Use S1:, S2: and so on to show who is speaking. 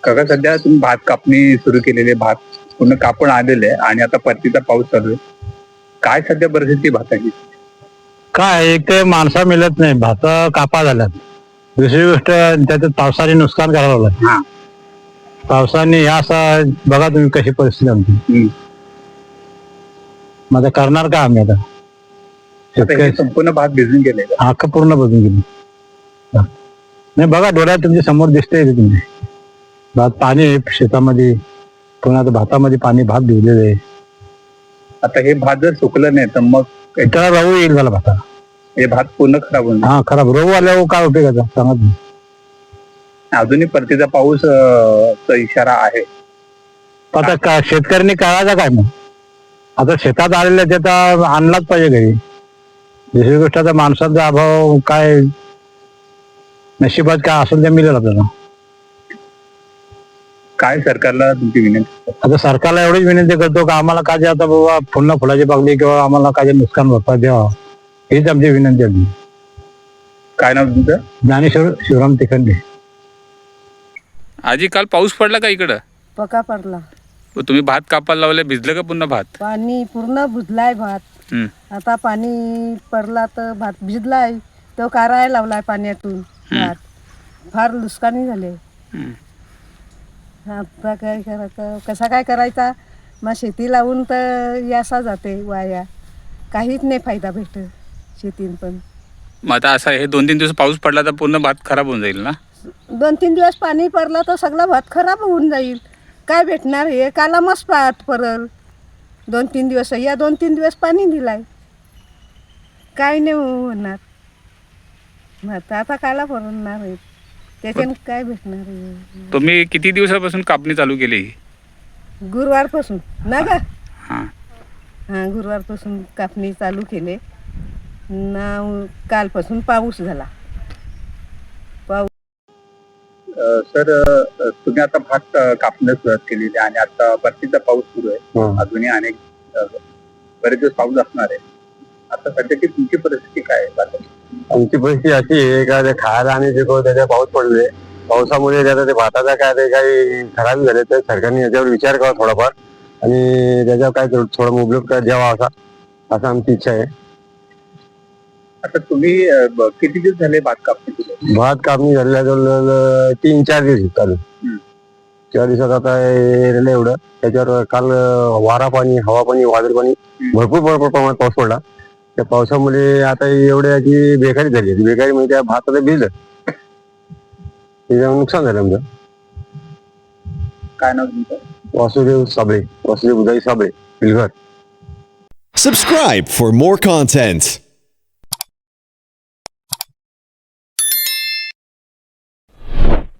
S1: काका सध्या तुम्ही भात कापणी सुरू केलेली आहे, भात पूर्ण कापून आलेले आहे आणि आता परतीचा पाऊस चालू आहे. काय सध्या परिस्थिती भाताची?
S2: काय एक ते माणसा मिळत नाही, भात कापा झाल्यात. दुसरी गोष्ट त्याच्यात पावसाने नुकसान करायला लागलं.
S1: हा.
S2: पावसाने ह्या असं बघा तुम्ही कशी परिस्थिती आमची. मग आता करणार का आम्ही आता?
S1: आता हे संपूर्ण भात भिजून गेले.
S2: अख्खं पूर्ण बदलून गेली. नाही बघा डोळ्यात तुमच्या समोर दिसतंय ते तुमचे भात, पाणी आहे शेतामध्ये, पुन्हा आता भातामध्ये पाणी, भात भिजलेलं आहे.
S1: आता हे भात जर सुकलं नाही तर मग
S2: त्याला राहू येईल झाला भाता.
S1: हे भात पूर्ण खराब होईल.
S2: हा खराब रोग आल्यावर काय उपयोगाचा सांगा तुम्ही.
S1: अजूनही परतीचा पाऊस चा इशारा आहे.
S2: आता का शेतकऱ्यांनी करायचं काय मग? आता शेतात आलेल्या त्याचा आणलाच पाहिजे घरी. दुसरी गोष्ट आता माणसाचा अभाव, काय नशिबात काय असेल ते मिळेल आपल्याला.
S1: काय सरकारला तुमची विनंती?
S2: आता सरकारला एवढीच विनंती करतो का आम्हाला काय आता बाबा पुन्हा फुलाची बागली किंवा आम्हाला काय नुकसान भरपाई द्यावा, हीच आमची विनंती आहे.
S1: काय नाव तुमचं?
S2: ज्ञानेश्वर शिवराम तिखंडे.
S3: आजी काल पाऊस पडला का इकडं?
S4: पका पडला.
S3: तुम्ही भात कापायला लावले, भिजलं का पुन्हा भात?
S4: पाणी पूर्ण भिजलाय भात. आता पाणी पडला तर भात भिजलाय, तो काराय लावलाय पाण्यातून भात. फार नुकसानी झाले. आता काय करायचं, कसा काय करायचा? मग शेती लावून तर यासा जाते वाया, काहीच नाही फायदा भेटत शेतीन. पण
S3: मग आता असं हे 2-3 दिवस पाऊस पडला तर पूर्ण भात खराब होऊन जाईल ना?
S4: 2-3 दिवस पाणी पडला तर सगळा भात खराब होऊन जाईल. काय भेटणार? हे कालामच पाठ परल 2-3 दिवस. या 2-3 दिवस पाणी दिलाय, काय नाही होणार. मग आता काला भरणार आहे, त्याच्यानं काय भेटणार आहे?
S3: तुम्ही किती दिवसापासून कापणी चालू केली?
S4: गुरुवारपासून ना ग.
S3: हां.
S4: हां, गुरुवारपासून कापणी चालू केले ना. कालपासून पाऊस झाला.
S1: सर, तुम्ही आता भात कापण्यास सुरुवात केलेली आणि आता परतीचा पाऊस सुरू आहे. अजूनही अनेक बरेच दिवस पाऊस असणार आहे. आता सध्याची तुमची परिस्थिती काय आहे भाताची?
S2: आमची परिस्थिती अशी आहे का ते खायला आणि त्याच्या पाऊस पडले, पावसामुळे त्याचा ते भाताचा काय ते काही खराब झाले, तर सरकारने याच्यावर विचार करावा थोडाफार आणि त्याच्यावर काय थोडं मुबलक द्यावा असा आमची इच्छा आहे.
S1: आता तुम्ही किती दिवस झाले भात कापणी केली?
S2: भात कापणी झालेल्या जवळ 3-4 दिवस चालू. 4 दिवसात आता एवढं त्याच्यावर काल वारा पाणी, हवा पाणी, वादळ पाणी, भरपूर प्रमाणात पाऊस पडला. त्या पावसामुळे आता एवढ्या की बेकारी झाली. बेकारी म्हणजे त्या भात आता भिजलं, त्याच्यामुळे नुकसान झालं आमचं.
S1: काय नाव तुमचं?
S2: वासुदेव उदय Sable, पिलघर.
S5: Subscribe for more content.